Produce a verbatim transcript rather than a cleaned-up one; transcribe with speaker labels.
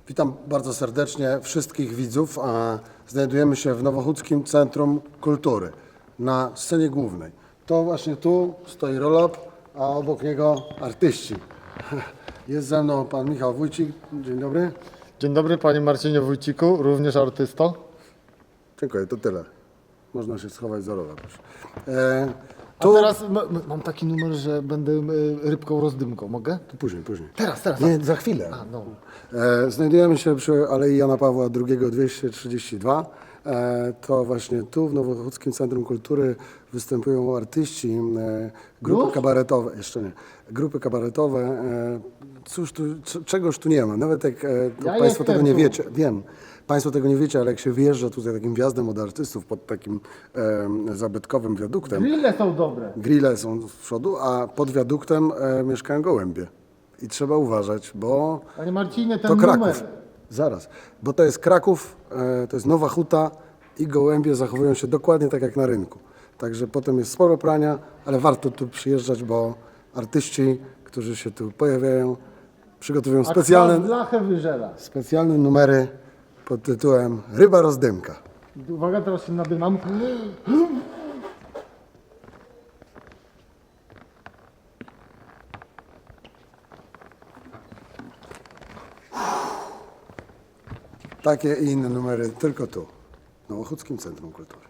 Speaker 1: Witam bardzo serdecznie wszystkich widzów. A Znajdujemy się w Nowochódzkim Centrum Kultury na scenie głównej. To właśnie tu stoi roll-up, a obok niego artyści. Jest ze mną pan Michał Wójcik. Dzień dobry.
Speaker 2: Dzień dobry, panie Marcinie Wójciku, również artysto.
Speaker 1: Dziękuję, to tyle. Można się schować za rola też. E,
Speaker 2: A
Speaker 1: tu...
Speaker 2: teraz m- m- mam taki numer, że będę y, rybką rozdymką. Mogę?
Speaker 1: Później, później.
Speaker 2: Teraz, teraz.
Speaker 1: Nie, za chwilę.
Speaker 2: A, no.
Speaker 1: E, Znajdujemy się przy Alei Jana Pawła drugiego dwieście trzydzieści dwa. E, To właśnie tu w Nowochódzkim Centrum Kultury występują artyści, e, grupy
Speaker 2: Już?
Speaker 1: kabaretowe, jeszcze nie, grupy kabaretowe. E, Cóż tu, c- czegoż tu nie ma, nawet jak e, to
Speaker 2: Ja
Speaker 1: Państwo
Speaker 2: jestem
Speaker 1: tego nie
Speaker 2: tu.
Speaker 1: wiecie, wiem, Państwo tego nie wiecie, ale jak się wyjeżdża tutaj takim wjazdem od artystów pod takim e, zabytkowym wiaduktem,
Speaker 2: Grille są dobre.
Speaker 1: grille są z przodu, a pod wiaduktem e, mieszkają gołębie. I trzeba uważać, bo
Speaker 2: Panie Marcinie, ten
Speaker 1: to
Speaker 2: numer.
Speaker 1: Kraków. Zaraz, bo to jest Kraków, e, to jest Nowa Huta i gołębie zachowują się dokładnie tak jak na rynku. Także potem jest sporo prania, ale warto tu przyjeżdżać, bo artyści, którzy się tu pojawiają, przygotowują
Speaker 2: A kwas
Speaker 1: specjalne,
Speaker 2: blachę wyżela.
Speaker 1: specjalne numery pod tytułem Ryba rozdymka.
Speaker 2: Uwaga, teraz się nadymam.
Speaker 1: Takie i inne numery tylko tu, w Nowochódzkim Centrum Kultury.